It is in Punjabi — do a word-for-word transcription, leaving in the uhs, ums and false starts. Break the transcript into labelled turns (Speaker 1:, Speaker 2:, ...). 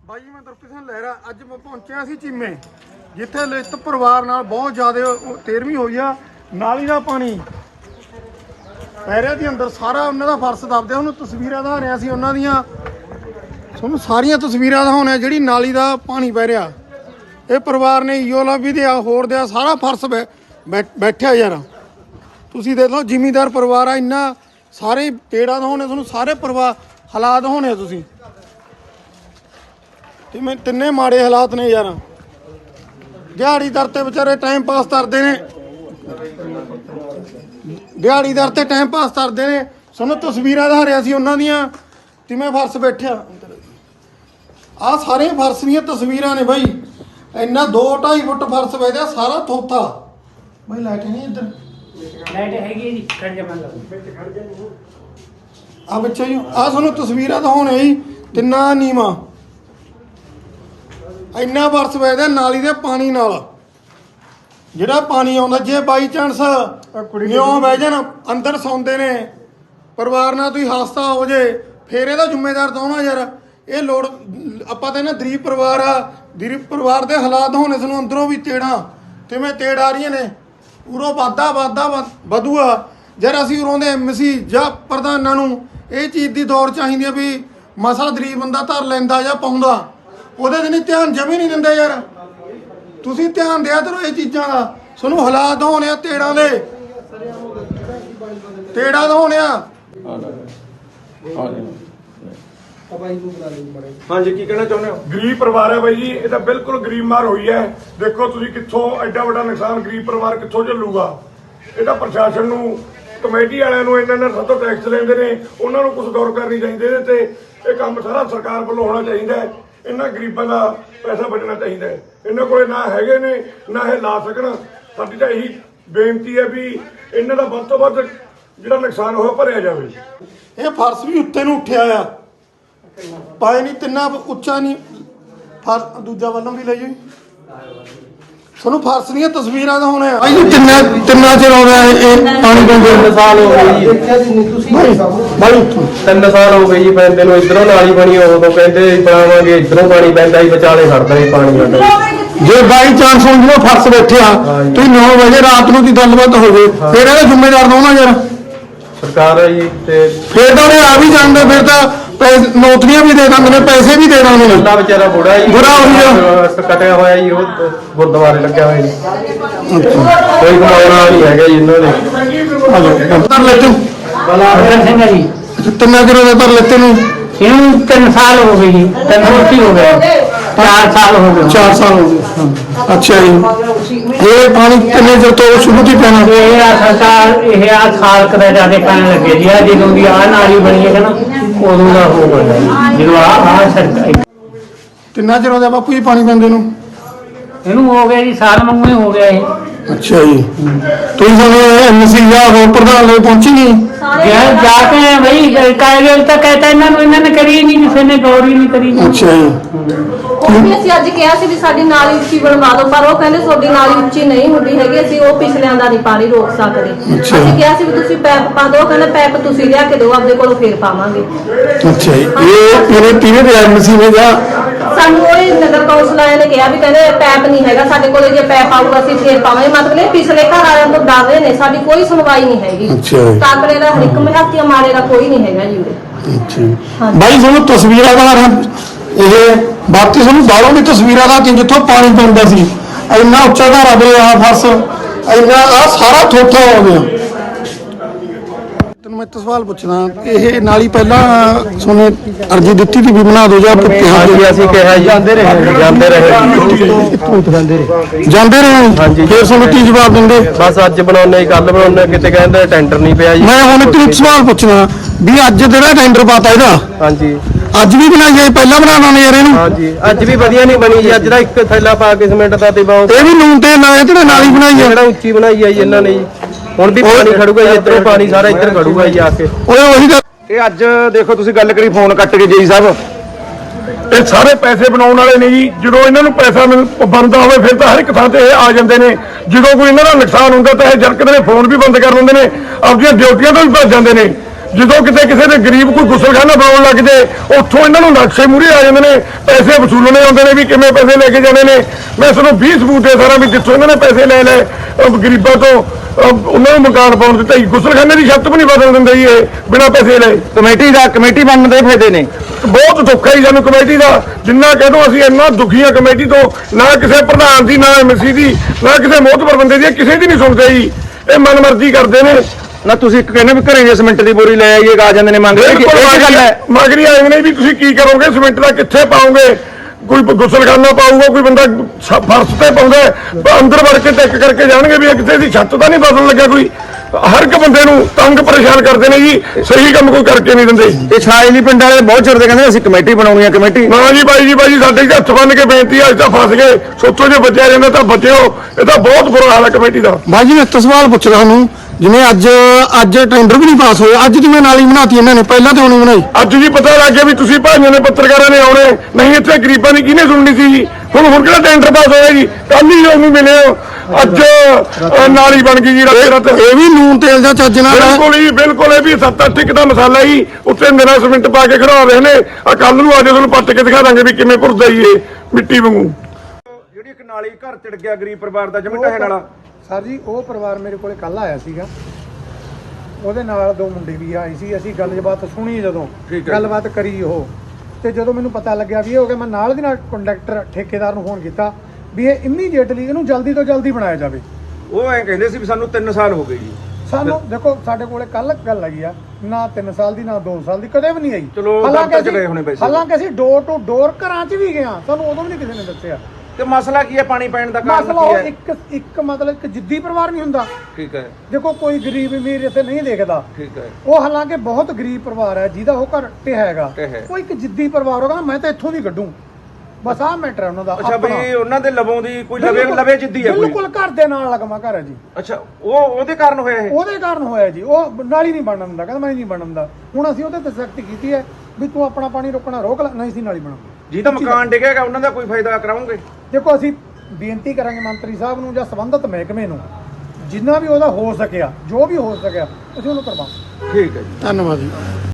Speaker 1: ਬਾਈ ਜੀ ਮੈਂ ਗੁਰਪ੍ਰੀਤ ਸਿੰਘ ਲਹਿਰਾ ਅੱਜ ਮੈਂ ਪਹੁੰਚਿਆ ਸੀ ਚੀਮੇ ਜਿੱਥੇ ਲਿਖਤ ਪਰਿਵਾਰ ਨਾਲ ਬਹੁਤ ਜ਼ਿਆਦਾ ਤੇਰਵੀਂ ਹੋਈ ਆ। ਨਾਲੀ ਦਾ ਪਾਣੀ ਪੈਰਿਆਂ ਦੇ ਅੰਦਰ ਸਾਰਾ ਉਹਨਾਂ ਦਾ ਫਰਸ਼ ਦੱਬਦੇ ਉਹਨੂੰ ਤਸਵੀਰਾਂ ਦਿਖਾ ਰਿਹਾ ਸੀ ਉਹਨਾਂ ਦੀਆਂ ਤੁਹਾਨੂੰ ਸਾਰੀਆਂ ਤਸਵੀਰਾਂ ਦਿਖਾਉਣੇ ਜਿਹੜੀ ਨਾਲੀ ਦਾ ਪਾਣੀ ਪੈ ਰਿਹਾ। ਇਹ ਪਰਿਵਾਰ ਨੇ ਈਓਲਾ ਵੀ ਦਿਆ ਹੋਰ ਦਿਆ ਸਾਰਾ ਫਰਸ਼ ਬੈਠਿਆ ਯਾਰ ਤੁਸੀਂ ਦੇਖ ਲਓ ਜ਼ਿਮੀਂਦਾਰ ਪਰਿਵਾਰ ਆ ਇੰਨਾ ਸਾਰੇ ਤੇੜਾ ਦਿਖਾਉਣੇ ਤੁਹਾਨੂੰ ਸਾਰੇ ਪਰਿਵਾਰ ਹਾਲਾਤ ਹੋਣੇ ਤੁਸੀਂ ਤੇ ਮੈਂ ਤਿੰਨੇ ਮਾੜੇ ਹਾਲਾਤ ਨੇ ਯਾਰ ਦਿਹਾੜੀਦਾਰ ਤੇ ਵਿਚਾਰੇ ਟਾਈਮ ਪਾਸ ਕਰਦੇ ਨੇ ਦਿਹਾੜੀਦਾਰ ਤੇ ਟਾਈਮ ਪਾਸ ਕਰਦੇ ਨੇ ਸਾਨੂੰ ਤਸਵੀਰਾਂ ਦਿਖਾ ਰਿਹਾ ਸੀ ਉਹਨਾਂ ਦੀਆਂ ਕਿਵੇਂ ਫਰਸ਼ ਬੈਠਿਆ ਆਹ ਸਾਰੇ ਫਰਸ਼ ਦੀਆਂ ਤਸਵੀਰਾਂ ਨੇ ਬਾਈ ਇੰਨਾ ਦੋ ਢਾਈ ਫੁੱਟ ਫਰਸ਼ ਬੈਠਿਆ ਸਾਰਾ ਥੋਥਾ ਬਾਈ ਲਾਈਟ ਨਹੀਂ ਇੱਧਰ
Speaker 2: ਲਾਈਟ ਹੈਗੀ ਜੀ ਖੜ ਜਾ ਮੰਨ ਲਓ
Speaker 1: ਆ ਬੱਚਾ ਜੀ ਆਹ ਤੁਹਾਨੂੰ ਤਸਵੀਰਾਂ ਦਿਖਾਉਣੇ ਜੀ ਤਿੰਨਾਂ ਨੀਵਾਂ ਇੰਨਾ ਫਰਸ਼ ਬੈਠਦਾ ਨਾਲੀ ਦੇ ਪਾਣੀ ਨਾਲ ਜਿਹੜਾ ਪਾਣੀ ਆਉਂਦਾ ਜੇ ਬਾਈ ਚਾਂਸ ਨਿਉਂ ਬਹਿ ਜਾਣ ਅੰਦਰ ਸੌਂਦੇ ਨੇ ਪਰਿਵਾਰ ਨਾਲ ਤੁਸੀਂ ਹਾਦਸਾ ਹੋ ਜੇ ਫੇਰ ਇਹਦਾ ਜ਼ਿੰਮੇਦਾਰ ਦੋਣਾ ਯਾਰ ਇਹ ਲੋੜ ਆਪਾਂ ਤਾਂ ਨਾ ਗਰੀਬ ਪਰਿਵਾਰ ਆ ਗਰੀਬ ਪਰਿਵਾਰ ਦੇ ਹਾਲਾਤ ਹੋਣੇ ਸਾਨੂੰ ਅੰਦਰੋਂ ਵੀ ਤੇੜਾਂ ਕਿਵੇਂ ਤੇੜ ਆ ਰਹੀਆਂ ਨੇ ਉਰੋਂ ਵਾਧਾ ਵਾਧਾ ਵਧੂਆ ਯਾਰ ਅਸੀਂ ਉਰੋਂ ਦੇ ਐਮ ਸੀ ਜਾਂ ਪ੍ਰਧਾਨਾਂ ਨੂੰ ਇਹ ਚੀਜ਼ ਦੀ ਦੌੜ ਚਾਹੀਦੀ ਆ ਵੀ ਮਸਾ ਗਰੀਬ ਬੰਦਾ ਧਰ ਲੈਂਦਾ ਜਾਂ ਪਾਉਂਦਾ ਉਹਦੇ ਤੇ ਨਹੀਂ ਧਿਆਨ ਜਮੀ ਨਹੀਂ ਦਿੰਦੇ ਯਾਰ ਤੁਸੀਂ ਧਿਆਨ ਦਿਆ ਕਰੋ ਇਹ ਚੀਜ਼ਾਂ ਦਾ ਤੁਹਾਨੂੰ ਹਾਲਾਤ ਹੋਣੇ ਆ ਤੇੜਾਂ ਦੇ ਤੇੜਾਂ ਦਾ ਹੋਣੇ ਆ
Speaker 3: ਹਾਂਜੀ ਕੀ ਕਹਿਣਾ ਚਾਹੁੰਦੇ ਹੋ?
Speaker 4: ਗਰੀਬ ਪਰਿਵਾਰ ਹੈ ਬਾਈ ਜੀ ਇਹ ਤਾਂ ਬਿਲਕੁਲ ਗਰੀਬ ਮਾਰ ਹੋਈ ਹੈ। ਦੇਖੋ ਤੁਸੀਂ ਕਿੱਥੋਂ ਐਡਾ ਵੱਡਾ ਨੁਕਸਾਨ ਗਰੀਬ ਪਰਿਵਾਰ ਕਿੱਥੋਂ ਝੱਲੂਗਾ। ਇਹ ਤਾਂ ਪ੍ਰਸ਼ਾਸਨ ਨੂੰ ਕਮੇਟੀ ਵਾਲਿਆਂ ਨੂੰ ਇਹਨਾਂ ਨੇ ਸਭ ਤੋਂ ਟੈਕਸ ਲੈਂਦੇ ਨੇ ਉਹਨਾਂ ਨੂੰ ਕੁਝ ਗੌਰ ਕਰਨੀ ਚਾਹੀਦੀ ਇਹਦੇ ਤੇ ਇਹ ਕੰਮ ਸਾਰਾ ਸਰਕਾਰ ਵੱਲੋਂ ਹੋਣਾ ਚਾਹੀਦਾ ਹੈ। ਇਹਨਾਂ ਗਰੀਬਾਂ ਦਾ ਪੈਸਾ ਬਚਣਾ ਚਾਹੀਦਾ ਹੈ। ਇਹਨਾਂ ਕੋਲੇ ਨਾ ਹੈਗੇ ਨੇ ਨਾ ਇਹ ਲਾ ਸਕਣ। ਸਾਡੀ ਤਾਂ ਇਹੀ ਬੇਨਤੀ ਹੈ ਵੀ ਇਹਨਾਂ ਦਾ ਵੱਧ ਤੋਂ ਵੱਧ ਜਿਹੜਾ ਨੁਕਸਾਨ ਹੋਇਆ ਭਰਿਆ ਜਾਵੇ।
Speaker 1: ਇਹ ਫਰਸ਼ ਵੀ ਉੱਤੇ ਨੂੰ ਉੱਠਿਆ ਆ ਪਾਏ ਨਹੀਂ ਤਿੰਨਾ ਉੱਚਾ ਨਹੀਂ ਫਰਸ਼ ਦੂਜਾ ਵੱਲੋਂ ਵੀ ਲੈ ਜਾਓ ਤੁਹਾਨੂੰ ਫਰਸ਼ ਦੀਆਂ ਤਸਵੀਰਾਂ ਦਾ ਹੋਣਾ ਆ ਤਿੰਨਾ ਤਿੰਨਾ ਚਿਰ ਹੋ ਗਿਆ ਇਹ ਪਾਣੀ ਪੈਂਦੇ
Speaker 3: ਤਿੰਨ ਸਾਲ ਹੋ ਗਏ ਜੀ
Speaker 1: ਬਾਈ
Speaker 3: ਤਿੰਨ ਸਾਲ ਹੋ ਗਏ ਜੀ ਪੈਂਦੇ ਨੂੰ ਇਧਰੋਂ ਨਾਲੀ ਬਣੀ ਉਦੋਂ ਕਹਿੰਦੇ ਬਣਾਵਾਂਗੇ ਇਧਰੋਂ ਪਾਣੀ ਪੈਂਦਾ ਜੀ ਵਿਚਾਲੇ ਖੜਦਾ ਜੀ ਪਾਣੀ ਸਾਡਾ
Speaker 1: ਜੇ ਬਾਈ ਚਾਂਸ ਹੁਣ ਜਦੋਂ ਫਰਸ਼ ਬੈਠਿਆ ਤੁਸੀਂ ਨੌ ਵਜੇ ਰਾਤ ਨੂੰ ਦੀ ਗੱਲਬਾਤ ਹੋਵੇ ਫਿਰ ਇਹਦਾ ਜ਼ਿੰਮੇਦਾਰ ਦੋਣਾ ਯਾਰ
Speaker 3: ਸਰਕਾਰ ਹੈ ਜੀ ਤੇ
Speaker 1: ਫਿਰ ਤਾਂ ਉਹਨੇ ਆ ਵੀ ਜਾਂਦੇ ਫਿਰ ਤਾਂ ਨੌਕਰੀਆਂ ਵੀ ਦੇ ਦਿੰਦੇ ਨੇ ਪੈਸੇ ਵੀ ਦੇ ਦਿੰਦੇ ਨੇ
Speaker 3: ਅੱਲਾ ਵਿਚਾਰਾ ਬੁੜਾ ਜੀ
Speaker 1: ਬੁੜਾ ਹੋਈ ਆ
Speaker 3: ਕਟਿਆ ਹੋਇਆ ਜੀ ਉਹ ਗੁਰਦੁਆਰੇ ਲੱਗਿਆ ਹੋਇਆ ਜੀ ਕੋਈ ਕਮਾਉਣਾ ਨਹੀਂ ਹੈਗਾ ਜੀ ਇਹਨਾਂ ਦੇ
Speaker 1: ਤਰ ਲੈਤੇ
Speaker 2: ਬਲਾਦਰ ਸਿੰਘ ਜੀ
Speaker 1: ਤਿੰਨਾਂ ਕਿਲੋ ਦੇ ਤਰ ਲੈਤੇ ਨੂੰ
Speaker 2: ਇਹਨੂੰ ਤਿੰਨ ਸਾਲ ਹੋ ਗਏ ਜੀ ਤਿੰਨ ਰੋਟੀ ਹੋ ਗਏ ਚਾਰ ਸਾਲ ਹੋ ਗਏ
Speaker 1: ਚਾਰ ਸਾਲ ਹੋ ਗਏ ਅੱਛਾ ਜੀ ਇਹ ਪਾਣੀ ਕਿੰਨੇ ਚਿਰ ਤੋਂ ਸ਼ੁਰੂ ਤੋਂ ਪੈਣਾ
Speaker 2: ਇਹ ਆ ਸਰਕਾਰ ਇਹ ਆ ਸਾਲ ਕਦੇ ਜ਼ਿਆਦਾ ਪੈਣ ਲੱਗੇ ਜੀ ਆ ਜਦੋਂ ਦੀ ਆ ਨਾਲੀ ਬਣੀ ਹੈ ਨਾ ਉਦੋਂ ਦਾ ਹੋ ਗਿਆ ਜਦੋਂ ਆ ਆ ਸਰਕਾਰ
Speaker 1: ਤਿੰਨਾਂ ਚਿਰ ਹੋ ਗਿਆ ਬਾਪੂ ਜੀ ਪਾਣੀ ਪੈਂਦੇ ਨੂੰ
Speaker 2: ਇਹਨੂੰ ਹੋ ਗਿਆ ਜੀ ਸਾਲ ਮੰਗੂ ਹੀ ਹੋ ਗਿਆ ਇਹ
Speaker 1: ਅੱਛਾ ਜੀ ਤੁਸੀਂ ਸਾਨੂੰ ਐਮ ਸੀ ਜਾਂ ਹੋਰ ਪ੍ਰਧਾਨ ਲਈ ਪਹੁੰਚੀ ਨਹੀਂ
Speaker 2: ਯਾਰ ਜਾ ਕੇ ਬਈ ਕਾਇਲ ਤਾਂ ਕਹਤਾ ਇਹਨਾਂ ਨੂੰ ਇਹਨਾਂ ਨੇ ਕਰੀ ਨਹੀਂ ਕਿਸੇ ਨੇ ਗੌਰ ਹੀ ਨਹੀਂ ਕਰੀ
Speaker 1: ਅੱਛਾ ਜੀ
Speaker 5: ਉਹ ਵੀ ਅਸੀਂ ਅੱਜ ਕਿਹਾ ਸੀ ਵੀ ਸਾਡੀ ਨਾਲੀ ਉੱਚੀ ਬਣਵਾ ਦਿਓ ਪਰ ਉਹ ਕਹਿੰਦੇ ਤੁਹਾਡੀ ਨਾਲੀ ਉੱਚੀ ਨਹੀਂ ਹੁੰਦੀ ਹੈਗੀ ਅਸੀਂ ਉਹ ਪਿਛਲਿਆਂ ਦਾ ਨਹੀਂ ਪਾਣੀ ਰੋਕ ਸਕਦੇ ਅਸੀਂ ਕਿਹਾ ਸੀ ਵੀ ਤੁਸੀਂ ਪੈਪ ਪਾ ਦਿਓ ਕਹਿੰਦੇ ਪੈਪ ਤੁਸੀਂ ਲਿਆ ਕੇ ਦਿਓ ਆਪਦੇ ਕੋਲੋਂ ਫੇਰ ਪਾਵਾਂਗੇ
Speaker 1: ਅੱਛਾ ਜੀ ਇਹ ਇਹਨੇ ਪੀਵੇ ਦੇ ਐਮ ਸੀ ਨੇ ਜਾਂ
Speaker 5: ਸਾਨੂੰ ਉਹ ਨਗਰ ਕੌਂਸਲ ਵਾਲਿਆਂ ਨੇ ਕਿਹਾ ਵੀ ਕਹਿੰਦੇ ਪੈਪ ਨਹੀਂ ਹੈਗਾ ਸਾਡੇ ਕੋਲੇ ਜੇ ਪੈਪ ਆਊਗਾ ਅਸੀਂ ਫੇਰ ਪਾਵਾਂਗੇ ਮਤਲਬ ਇਹ ਪਿਛਲੇ ਘਰ ਵਾਲਿਆਂ ਤੋਂ ਡਰ ਰਹੇ ਨੇ ਸਾਡੀ ਕੋਈ ਸੁਣਵਾਈ ਨਹੀਂ ਹੈਗੀ ਕਾਕੜੇ ਦਾ ਹਰ ਇੱਕ ਮਹਾਤੀਆ ਮਾਰੇ ਦਾ ਕੋਈ ਨਹੀਂ ਹੈਗਾ ਜੀ ਉਰੇ
Speaker 1: ਅੱਛਾ ਬਾਈ ਤੁਹਾਨੂੰ ਤਸਵੀਰਾਂ ਦਾ ਇਹ ਬਾਕੀ ਤੁਹਾਨੂੰ ਬਾਹਰੋਂ ਵੀ ਤਸਵੀਰਾਂ ਦਾ ਜਿੱਥੋਂ ਪਾਣੀ ਪੈਂਦਾ ਸੀ ਇੰਨਾ ਉੱਚਾ ਘਰ ਬਲੇ ਆ ਫਰਸ਼ ਇੰਨਾ ਆ ਸਾਰਾ ਥੋਥਾ ਹੋ ਗਿਆ ਤੈਨੂੰ ਮੈਂ ਇੱਕ ਸਵਾਲ ਪੁੱਛਣਾ ਇਹ ਨਾਲੀ ਪਹਿਲਾਂ ਸੋਨੇ ਅਰਜੀ ਦਿੱਤੀ ਸੀ ਵੀ ਬਣਾ ਦਿਓ ਜਾਂ
Speaker 3: ਹਾਂਜੀ ਅਸੀਂ ਕਿਹਾ ਜਾਂਦੇ ਰਹੇ ਜਾਂਦੇ ਰਹੇ
Speaker 1: ਜਾਂਦੇ ਰਹੇ ਜਾਂਦੇ ਰਹੇ ਫਿਰ ਤੁਹਾਨੂੰ ਕੀ ਜਵਾਬ ਦਿੰਦੇ
Speaker 3: ਬਸ ਅੱਜ ਬਣਾਉਣੇ ਕੱਲ ਬਣਾਉਣੇ ਕਿਤੇ ਕਹਿੰਦੇ ਟੈਂਡਰ ਨਹੀਂ ਪਿਆ ਜੀ
Speaker 1: ਮੈਂ ਹੁਣ ਇੱਕ ਸਵਾਲ ਪੁੱਛਣਾ ਵੀ ਅੱਜ ਜਿਹੜਾ ਟੈਂਡਰ ਪਾਤਾ ਇਹਦਾ
Speaker 3: ਹਾਂਜੀ
Speaker 1: ਅੱਜ ਵੀ ਬਣਾਈਏ ਪਹਿਲਾਂ ਬਣਾਉਣਾ ਨੇ ਯਾਰ ਇਹਨੂੰ
Speaker 3: ਹਾਂਜੀ ਅੱਜ ਵੀ ਵਧੀਆ ਨਹੀਂ ਬਣੀ ਜੀ ਅੱਜ ਦਾ ਇੱਕ ਥੈਲਾ ਪਾ ਕੇ ਸਿਮੈਂਟ ਦਾ ਤੇ ਬਹੁਤ
Speaker 1: ਇਹ ਵੀ ਨੂਨ ਤੇ ਲਾਇਆ ਤੇ ਨਾਲੀ ਬਣਾਈ ਹੈ
Speaker 3: ਜਿਹੜਾ ਉੱਚੀ ਬਣਾਈ ਹੈ ਜੀ ਇਹਨਾਂ ਨੇ ਜੀ ਹੁਣ ਵੀ ਪਾਣੀ ਖੜੂਗਾ ਜੀ ਇੱਧਰੋਂ ਪਾਣੀ ਸਾਰਾ ਇੱਧਰ ਖੜੂਗਾ ਜੀ ਆ ਕੇ
Speaker 1: ਓਏ ਉਹੀ ਗੱਲ
Speaker 4: ਇਹ ਅੱਜ ਦੇਖੋ ਤੁਸੀਂ ਗੱਲ ਕਰੀ ਫੋਨ ਕੱਟ ਕੇ ਜੀ ਸਾਹਿਬ ਇਹ ਸਾਰੇ ਪੈਸੇ ਬਣਾਉਣ ਵਾਲੇ ਨੇ ਜੀ ਜਦੋਂ ਇਹਨਾਂ ਨੂੰ ਪੈਸਾ ਬਣਦਾ ਹੋਵੇ ਫਿਰ ਤਾਂ ਹਰ ਇੱਕ ਥਾਂ ਤੇ ਇਹ ਆ ਜਾਂਦੇ ਨੇ ਜਦੋਂ ਕੋਈ ਇਹਨਾਂ ਦਾ ਨੁਕਸਾਨ ਹੁੰਦਾ ਤਾਂ ਇਹ ਜਰਕਦੇ ਨੇ ਫੋਨ ਵੀ ਬੰਦ ਕਰ ਦਿੰਦੇ ਨੇ ਆਪਣੀਆਂ ਡਿਊਟੀਆਂ ਤੋਂ ਵੀ ਭੱਜ ਜਾਂਦੇ ਨੇ ਜਦੋਂ ਕਿਤੇ ਕਿਸੇ ਦੇ ਗਰੀਬ ਕੋਈ ਗੁਸਲਖਾਨਾ ਬਣਾਉਣ ਲੱਗ ਜੇ ਉੱਥੋਂ ਇਹਨਾਂ ਨੂੰ ਨਕਸ਼ੇ ਮੂਹਰੇ ਆ ਜਾਂਦੇ ਨੇ, ਪੈਸੇ ਵਸੂਲਣੇ ਆਉਂਦੇ ਨੇ ਵੀ ਕਿਵੇਂ ਪੈਸੇ ਲੈ ਕੇ ਜਾਣੇ ਨੇ। ਮੈਂ ਤੁਹਾਨੂੰ ਵੀਹ ਸਬੂਤ ਦੇ ਸਾਰਾ ਵੀ ਜਿੱਥੋਂ ਇਹਨਾਂ ਨੇ ਪੈਸੇ ਲੈ ਲਏ ਅਹ ਗਰੀਬਾਂ ਤੋਂ, ਅਹ ਉਹਨਾਂ ਨੂੰ ਮਕਾਨ ਪਾਉਣ ਦਿੱਤਾ ਜੀ। ਗੁਸਲਖਾਨੇ ਦੀ ਛੱਤ ਵੀ ਨਹੀਂ ਬਦਲ ਦਿੰਦੇ ਜੀ ਇਹ ਬਿਨਾਂ ਪੈਸੇ ਲਏ।
Speaker 3: ਕਮੇਟੀ ਦਾ ਕਮੇਟੀ ਬਣਨ ਦੇ ਫਾਇਦੇ ਨੇ।
Speaker 4: ਬਹੁਤ ਦੁੱਖ ਹੈ ਜੀ ਸਾਨੂੰ ਕਮੇਟੀ ਦਾ, ਜਿੰਨਾ ਕਹਿ ਦੋ ਅਸੀਂ ਇੰਨਾ ਦੁਖੀ ਹਾਂ ਕਮੇਟੀ ਤੋਂ। ਨਾ ਕਿਸੇ ਪ੍ਰਧਾਨ ਦੀ, ਨਾ ਐਮਸੀ ਦੀ, ਨਾ ਕਿਸੇ ਮੋਹਤਬਰ ਬੰਦੇ ਦੀ, ਕਿਸੇ ਦੀ ਨਹੀਂ ਸੁਣਦੇ ਜੀ। ਇਹ ਮਨਮਰਜ਼ੀ ਕਰਦੇ ਨੇ।
Speaker 3: ਨਾ ਤੁਸੀਂ ਇੱਕ ਕਹਿੰਦੇ ਵੀ ਘਰੇ ਜੇ ਸੀਮੈਂਟ ਦੀ ਬੋਰੀ ਲੈ ਆਈਏ ਆ ਜਾਂਦੇ ਨੇ ਮੰਗ ਰਹੇ,
Speaker 4: ਬਿਲਕੁਲ
Speaker 3: ਇਹ ਗੱਲ ਹੈ।
Speaker 4: ਮਗਰੀ ਆਏ ਨੇ ਵੀ ਤੁਸੀਂ ਕੀ ਕਰੋਗੇ, ਸੀਮੈਂਟ ਦਾ ਕਿੱਥੇ ਪਾਓਗੇ? ਕੋਈ ਗੁਸਲਖਾਨਾ ਪਾਊਗਾ, ਕੋਈ ਬੰਦਾ ਸ- ਫਰਸ਼ ਤੇ ਪਾਉਂਦਾ ਹੈ, ਅੰਦਰ ਵੜ ਕੇ ਟੈਕ ਕਰਕੇ ਜਾਣਗੇ ਵੀ ਇਹ ਕਿਸੇ ਦੀ ਛੱਤ ਤਾਂ ਨਹੀਂ ਬਦਲਣ ਲੱਗਿਆ ਕੋਈ। ਹਰ ਇੱਕ ਬੰਦੇ ਨੂੰ ਤੰਗ ਪਰੇਸ਼ਾਨ ਕਰਦੇ ਨੇ ਜੀ, ਸਹੀ ਕੰਮ ਕੋਈ ਕਰਕੇ ਨਹੀਂ ਦਿੰਦੇ।
Speaker 3: ਇਹ ਛਾਇਲੀ ਪਿੰਡ ਵਾਲੇ ਬਹੁਤ ਚਿਰ ਦੇ ਕਹਿੰਦੇ ਅਸੀਂ ਕਮੇਟੀ ਬਣਾਉਣੀ ਹੈ ਕਮੇਟੀ।
Speaker 4: ਨਾ ਜੀ ਬਾਈ ਜੀ ਬਾਈ ਜੀ ਸਾਡੇ ਹੱਥ ਬੰਨ ਕੇ ਬੇਨਤੀ ਆ, ਅਸੀਂ ਤਾਂ ਫਸ ਗਏ। ਸੋਚੋ ਜੇ ਬਚਿਆ ਜਾਂਦਾ ਤਾਂ ਬਚਿਓ। ਇਹ ਤਾਂ ਬਹੁਤ ਬੁਰਾ ਹਾਲ ਹੈ ਕਮੇਟੀ ਦਾ।
Speaker 1: ਬਾਈ ਜੀ ਮੈਂ ਇੱਕ ਸਵਾਲ ਪੁੱਛਦਾ ਤੁਹਾਨੂੰ, ਜਿਵੇਂ ਅੱਜ ਅੱਜ ਟੈਂਡਰ ਵੀ ਨਹੀਂ ਪਾਸ ਹੋਏ, ਅੱਜ ਕਿਵੇਂ ਨਾਲੀ ਬਣਾਤੀ ਇਹਨਾਂ ਨੇ, ਪਹਿਲਾਂ ਤੇ ਨਹੀਂ ਬਣਾਈ?
Speaker 4: ਅੱਜ ਜੀ ਪਤਾ ਲੱਗ ਗਿਆ ਵੀ ਤੁਸੀਂ ਭਾਈਆਂ ਨੇ, ਪੱਤਰਕਾਰਾਂ ਨੇ ਆਉਣੇ ਨਹੀਂ, ਇੱਥੇ ਗਰੀਬਾਂ ਦੀ ਕਿਹਨੇ ਸੁਣਨੀ ਸੀ ਜੀ। ਹੁਣ ਹੁਣ ਕਿਹੜਾ ਟੈਂਡਰ ਪਾਸ ਹੋਇਆ ਜੀ, ਕੱਲ ਹੀ ਉਹਨੂੰ ਮਿਲੇ ਹੋ। ਅੱਜ ਅਹ, ਨਾਲੀ ਬਣ ਗਈ ਜੀ ਰਾਤੇ ਰਾਤ।
Speaker 1: ਇਹ ਵੀ ਨੂਨ ਤੇਲ ਦਾ ਚੱਜ ਨਾਲ ਹੈ।
Speaker 4: ਬਿਲਕੁਲ ਜੀ ਬਿਲਕੁਲ। ਇਹ ਵੀ ਸੱਤ ਅੱਠ ਇੱਕ ਦਾ ਮਸਾਲਾ ਜੀ, ਉੱਤੇ ਮੇਰਾ ਸੀਮਿੰਟ ਪਾ ਕੇ ਖੜਾ ਰਹੇ ਨੇ। ਆ ਕੱਲ ਨੂੰ ਆ ਜਾਓ, ਤੁਹਾਨੂੰ ਪੱਟ ਕੇ ਦਿਖਾ ਦਾਂਗੇ ਵੀ ਕਿਵੇਂ ਭੁਰਦਾ ਜੀ ਇਹ ਮਿੱਟੀ ਵਾਂਗੂ।
Speaker 3: ਜਿਹੜੀ ਇੱਕ ਨਾਲੀ ਘਰ ਚੜ ਗਿਆ ਗਰੀਬ ਪਰਿਵਾਰ ਦਾ ਜਿਵੇਂ ਢਹਿਣ ਵਾਲਾ।
Speaker 6: ਸਰ ਜੀ ਉਹ ਪਰਿਵਾਰ ਮੇਰੇ ਕੋਲੇ ਕੱਲ ਆਇਆ ਸੀਗਾ, ਉਹਦੇ ਨਾਲ ਦੋ ਮੁੰਡੇ ਵੀ ਆਏ ਸੀ। ਅਸੀਂ ਗੱਲਬਾਤ ਸੁਣੀ, ਜਦੋਂ ਗੱਲਬਾਤ ਕਰੀ ਉਹ, ਤੇ ਜਦੋਂ ਮੈਨੂੰ ਪਤਾ ਲੱਗਿਆ ਵੀ ਇਹ ਹੋ ਗਿਆ, ਮੈਂ ਨਾਲ ਦੀ ਨਾਲ ਕੰਡਕਟਰ ਠੇਕੇਦਾਰ ਨੂੰ ਫੋਨ ਕੀਤਾ ਵੀ ਇਹ ਇਮੀਡੀਏਟਲੀ ਇਹਨੂੰ ਜਲਦੀ ਤੋਂ ਜਲਦੀ ਬਣਾਇਆ ਜਾਵੇ।
Speaker 3: ਉਹ ਐਂ ਕਹਿੰਦੇ ਸੀ ਵੀ ਸਾਨੂੰ ਤਿੰਨ ਸਾਲ ਹੋ ਗਏ ਜੀ।
Speaker 6: ਸਾਨੂੰ ਦੇਖੋ, ਸਾਡੇ ਕੋਲੇ ਕੱਲ ਗੱਲ ਆਈ ਆ, ਨਾ ਤਿੰਨ ਸਾਲ ਦੀ ਨਾ ਦੋ ਸਾਲ ਦੀ ਕਦੇ ਵੀ ਨਹੀਂ ਆਈ।
Speaker 3: ਚਲੋ,
Speaker 6: ਹਾਲਾਂਕਿ
Speaker 3: ਦਫ਼ਤਰ ਚ
Speaker 6: ਅਸੀਂ-
Speaker 3: ਗਏ ਹੋਣੇ ਪੈਸੇ।
Speaker 6: ਹਾਲਾਂਕਿ ਅਸੀਂ ਡੋਰ ਟੂ ਡੋਰ ਘਰਾਂ 'ਚ ਵੀ ਗਏ ਹਾਂ, ਸਾਨੂੰ ਉਦੋਂ ਵੀ ਨਹੀਂ ਕਿਸੇ ਨੇ ਦੱਸਿਆ।
Speaker 3: ਤੇ ਮਸਲਾ ਕੀ ਹੈ, ਪਾਣੀ ਪੈਣ ਦਾ ਕਾਰਨ
Speaker 6: ਮਸਲਾ
Speaker 3: ਕੀ
Speaker 6: ਉਹ
Speaker 3: ਹੈ?
Speaker 6: ਇੱਕ ਇੱਕ ਮਤਲਬ ਇੱਕ ਜਿੱਦੀ ਪਰਿਵਾਰ ਨਹੀਂ ਹੁੰਦਾ।
Speaker 3: ਠੀਕ ਹੈ
Speaker 6: ਦੇਖੋ ਕੋਈ ਗਰੀਬ ਅਮੀਰ ਇੱਥੇ ਨਹੀਂ ਦੇਖਦਾ।
Speaker 3: ਠੀਕ ਹੈ।
Speaker 6: ਉਹ ਹਾਲਾਂਕਿ ਬਹੁਤ ਗਰੀਬ ਪਰਿਵਾਰ ਹੈ ਜਿਹਦਾ ਉਹ ਘਰ ਟਿਆ ਹੈਗਾ।
Speaker 3: ਟਿਆ ਹੈ।
Speaker 6: ਉਹ ਇੱਕ ਜਿੱਦੀ ਪਰਿਵਾਰ ਹੋਗਾ, ਮੈਂ ਤਾਂ ਇੱਥੋਂ ਦੀ ਕੱਢੂੰ, ਬਸ ਆਹ ਮੈਟਰ ਹੈ ਉਹਨਾਂ ਦਾ।
Speaker 3: ਅੱਛਾ
Speaker 6: ਆਪਣਾ।
Speaker 3: ਬਈ ਉਹਨਾਂ ਦੇ ਲਵੋਂ ਦੀ ਕੋਈ ਲਵੇ
Speaker 6: ਬਿਲਕੁਲ-
Speaker 3: ਲਵੇ ਜਿੱਦੀ ਹੈ ਕੋਈ।
Speaker 6: ਬਿਲਕੁਲ ਘਰ ਦੇ ਨਾਲ ਲਗਮਾ ਘਰ ਹੈ ਜੀ।
Speaker 3: ਅੱਛਾ ਉਹ ਉਹਦੇ ਕਾਰਨ ਹੋਇਆ ਇਹ?
Speaker 6: ਉਹਦੇ ਕਾਰਨ ਹੋਇਆ ਜੀ। ਉਹ ਨਾਲੀ ਨਹੀਂ ਬਣਨ ਦਿੰਦਾ, ਕਹਿੰਦਾ ਮੈਂ ਨਹੀਂ ਬਣਨ ਦਿੰਦਾ। ਹੁਣ ਅਸੀਂ ਉਹਦੇ ਤੇ ਸਖਤੀ ਕੀਤੀ ਹੈ ਵੀ ਤੂੰ ਆਪਣਾ ਪਾਣੀ ਰੋਕਣਾ ਰੋਕ ਲੈ, ਨਹੀਂ ਸੀ ਨਾਲੀ ਬਣਾਉਂਦੇ।
Speaker 3: ਜਿਹਦਾ ਮਕਾਨ ਡਿੱਗੇਗਾ ਉਹਨਾਂ ਦਾ ਕੋਈ ਫਾਇਦਾ ਕਰਾਉਂਗੇ?
Speaker 6: ਦੇਖੋ ਅਸੀਂ ਬੇਨਤੀ ਕਰਾਂਗੇ ਮੰਤਰੀ ਸਾਹਿਬ ਨੂੰ ਜਾਂ ਸੰਬੰਧਿਤ ਮਹਿਕਮੇ ਨੂੰ, ਜਿੰਨਾ ਵੀ ਉਹਦਾ ਹੋ ਸਕਿਆ, ਜੋ ਵੀ ਹੋ ਸਕਿਆ ਅਸੀਂ ਉਹਨੂੰ ਕਰਵਾਵਾਂਗੇ।
Speaker 3: ਠੀਕ ਹੈ ਜੀ,
Speaker 1: ਧੰਨਵਾਦ ਜੀ।